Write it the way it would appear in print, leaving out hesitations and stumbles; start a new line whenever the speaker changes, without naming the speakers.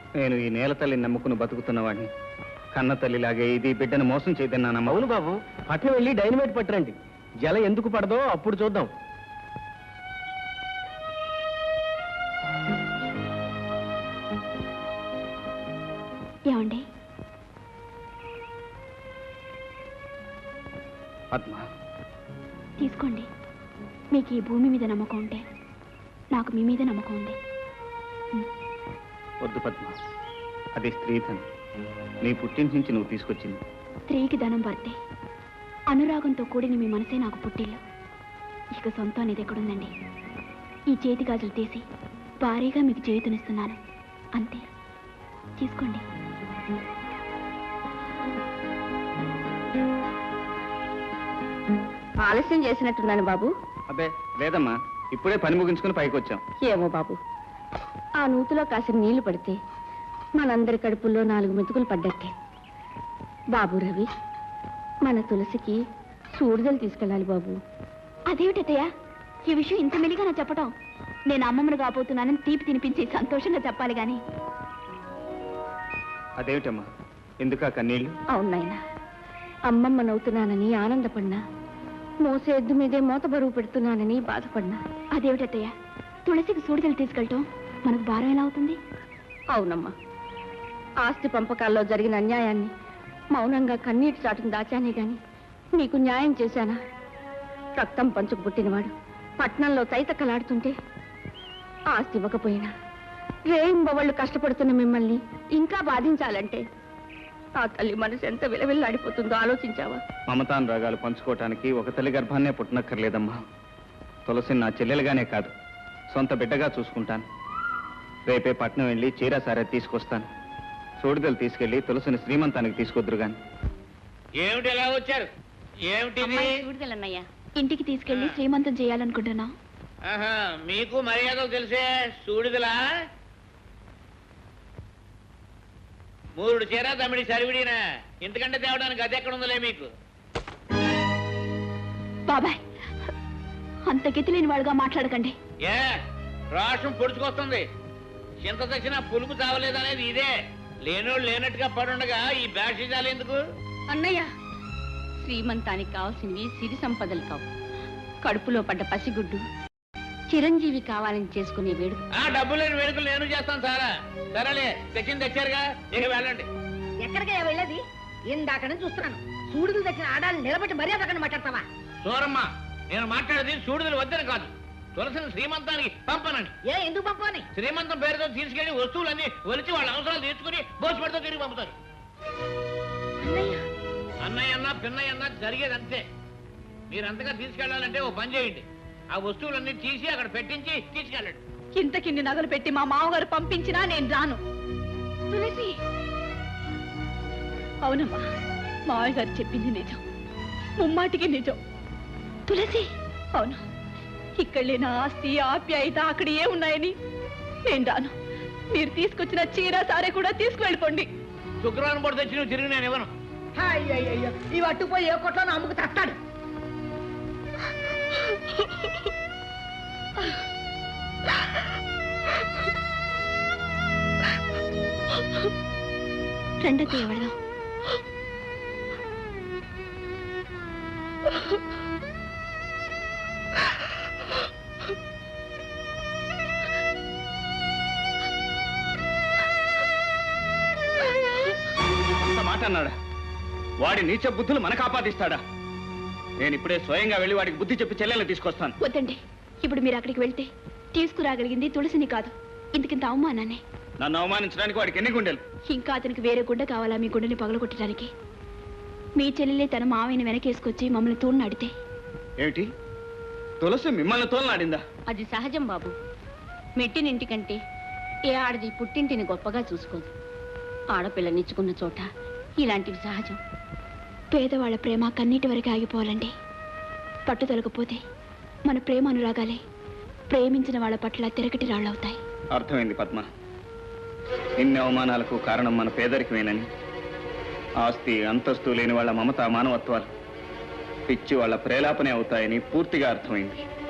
నేను ఈ నేల తల్లిని నమ్ముకుని బతుకుతున్నవాడిని. కన్న తల్లిలాగే ఇది బిడ్డను మోసం చేయదన్నానమ్మా.
అవును బాబు, పట్నం వెళ్ళి డైనమైట్ పట్టరండి. జల ఎందుకు పడదో అప్పుడు చూద్దాం.
ఏమండి?
పద్మ,
తీసుకోండి. మీకు ఈ భూమి మీద నమ్మకం ఉంటే నాకు మీ మీద నమ్మకం ఉంది.
వద్దు పద్మ, అది స్త్రీధనం. నీ పుట్టింటి నుంచి నువ్వు తీసుకొచ్చింది.
స్త్రీకి ధనం పడితే అనురాగంతో కూడిన మీ మనసే నాకు పుట్టిల్లు. ఇక సొంతం అనేది ఎక్కడుందండి? ఈ చేతి గాజులు తీసి భారీగా మీకు చేతునిస్తున్నాను, అంతే. తీసుకోండి.
ఆలస్యం చేసినట్టున్నాను బాబు.
అబ్బే లేదమ్మా, ఇప్పుడే పని ముగించుకుని పైకి వచ్చాం.
ఏమో బాబు, ఆ నూతిలో కాసిన నీళ్లు పడితే మనందరి కడుపుల్లో 4 మెతుకులు పడ్డట్టే. బాబు రవి, మన తులసికి సూడిదలు తీసుకెళ్ళాలి బాబు.
అదేమిటయ్యా ఈ విషయం ఇంత మెలిగా నా చెప్పటం? నేను అమ్మమ్మను కాబోతున్నానని తీపి తినిపించి సంతోషంగా చెప్పాలి గాని.
అదేమిటమ్మా, ఎందుకా కన్నీళ్ళు?
అవునాయన, అమ్మమ్మనవుతున్నానని ఆనందపడినా, మోసే ఎద్దు మీదే మోత బరువు పెడుతున్నానని బాధపడినా.
అదేమిటయ్యా, తులసికి సూడిదలు తీసుకెళ్ళటం మనకు భారం ఎలా అవుతుంది?
అవునమ్మా, ఆస్తి పంపకాల్లో జరిగిన అన్యాయాన్ని మౌనంగా కన్నీటి చాటును దాచానే గాని నీకు న్యాయం చేశానా? రక్తం పంచుకు పుట్టినవాడు పట్నంలో తైతక్కలాడుతుంటే ఆస్తి ఇవ్వకపోయినా రేయింబవళ్ళు కష్టపడుతున్న మిమ్మల్ని ఇంకా బాధించాలంటే ఆ తల్లి మనసు ఎంత విలవిల్లాడిపోతుందో ఆలోచించావా?
మమతానురాగాలు పంచుకోవటానికి ఒక తల్లి గర్భాన్నే పుట్టనక్కర్లేదమ్మా. తులసిని నా చెల్లెలుగానే కాదు, సొంత బిడ్డగా చూసుకుంటాను. రేపే పట్నం వెళ్ళి చీర సారే తీసుకొస్తాను. సూడిదలు తీసుకెళ్లి తులసిని శ్రీమంతానికి తీసుకొద్దురు గాని.
ఏమిటి ఎలా వచ్చారు?
సూడిదలన్నయ్యా,
ఇంటికి తీసుకెళ్లి శ్రీమంతం చేయాలనుకుంటున్నా.
మీకు మర్యాదలు తెలిసే సూడిదలా? 3 చీర తమిడి సరివిడినా, ఇంతకంటే తేవడానికి అది ఎక్కడ ఉందలే మీకు.
బాబాయ్, అంత గతి లేని వాడుగా మాట్లాడకండి.
ఏ రాష్ట్రం పొడుచుకొస్తుంది. చింత తెచ్చినా పులుపు చావలేదనేది ఇదే. లేనోళ్ళు లేనట్టుగా పడుండగా ఈ బ్యాషిజాలు ఎందుకు?
అన్నయ్య, శ్రీమంతానికి కావాల్సినవి సిరి సంపదలు కావు, కడుపులో పడ్డ పసిగుడ్డు చిరంజీవి కావాలని చేసుకునే వేడుక.
ఆ డబ్బు లేని వేడుకలు నేను చేస్తాను సారా. సరేలే, తెచ్చింది తెచ్చారుగా, ఇక వెళ్ళండి.
ఎక్కడికయ్యా వెళ్ళేది? ఇందాక నుంచి చూస్తున్నాను. సూడులు తెచ్చిన ఆడాలను నిలబెట్టి మర్యాద అక్కడ మాట్లాడతావా?
సూరమ్మ, నేను మాట్లాడేది సూడుదలు వద్దని కాదు, తులసిని శ్రీమంతానికి పంపనండి.
ఎందుకు పంపని?
శ్రీమంతం పేరుతో తీసుకెళ్లి వస్తువులన్నీ ఒలిచి వాళ్ళ అవసరాలు తీర్చుకుని భోజపడితో తిరిగి పంపుతారు. అన్నయ్య అన్నా పిన్నయ్య అన్నా జరిగేది అంతే. మీరంతగా తీసుకెళ్లాలంటే ఓ పని చేయండి, ఆ వస్తువులన్నీ తీసి అక్కడ పెట్టించి తీసుకెళ్ళండి.
ఇంతకిన్ని నగలు పెట్టి మా మామగారు పంపించినా నేను రాను. తులసి, అవునమ్మా, మావయ్య గారు చెప్పింది నిజం, ముమ్మాటికి నిజం. తులసి, అవును, ఇక్కడ లేని ఆస్తి ఆప్యాయత అక్కడ ఏ ఉన్నాయని నేను రాను. మీరు తీసుకొచ్చిన చీర సారే కూడా తీసుకువెళ్ళిపోండి.
శుక్రవారం పూట తెచ్చి నువ్వు తిరిగి నేను ఇవ్వను.
అయ్యో, ఇవి అట్టుపోయి ఏ కొట్లో అమ్ముకు తస్తాడు.
రెండో ఎవడదాం.
మాట అన్నాడా? వాడి నీచ బుద్ధులు మనకు ఆపాదిస్తాడా? నేను ఇప్పుడే స్వయంగా వెళ్ళి వాడికి బుద్ధి చెప్పి చెల్లెల్ని తీసుకొస్తాను.
వద్దండి, ఇప్పుడు మీరు అక్కడికి వెళ్తే తీసుకురాగలిగింది తులసిని కాదు, ఇంతకింత అవమానాన్ని.
నన్ను అవమానించడానికి వాడికి ఎన్ని గుండెలు?
ఇంకా అతనికి వేరే గుండె కావాలా మీ గుండెని పగలగొట్టడానికి? మీ చెల్లెలే తన మావయ్యని వెనకేసుకొచ్చి మమ్మల్ని తోడునాడితే?
ఏమిటి, తులసి మిమ్మల్ని తోలనాడిందా?
అది సహజం బాబు. మెట్టినింటికంటే ఏ ఆడది పుట్టింటిని గొప్పగా చూసుకోదు. ఆడపిల్లనిచ్చుకున్న చోట ఇలాంటివి సహజం.
పేదవాళ్ల ప్రేమ కన్నీటి వరకు ఆగిపోవాలండి. పట్టుదలకపోతే మన ప్రేమ అనురాగాలే ప్రేమించిన వాళ్ళ పట్ల తిరగటి రాళ్ళవుతాయి.
అర్థమైంది పద్మ, ఇన్ని అవమానాలకు కారణం మన పేదరికమేనని, ఆస్తి అంతస్తు లేని వాళ్ళ మమత మానవత్వాలు పిచ్చి వాళ్ళ ప్రేలాపనే అవుతాయని పూర్తిగా అర్థమైంది.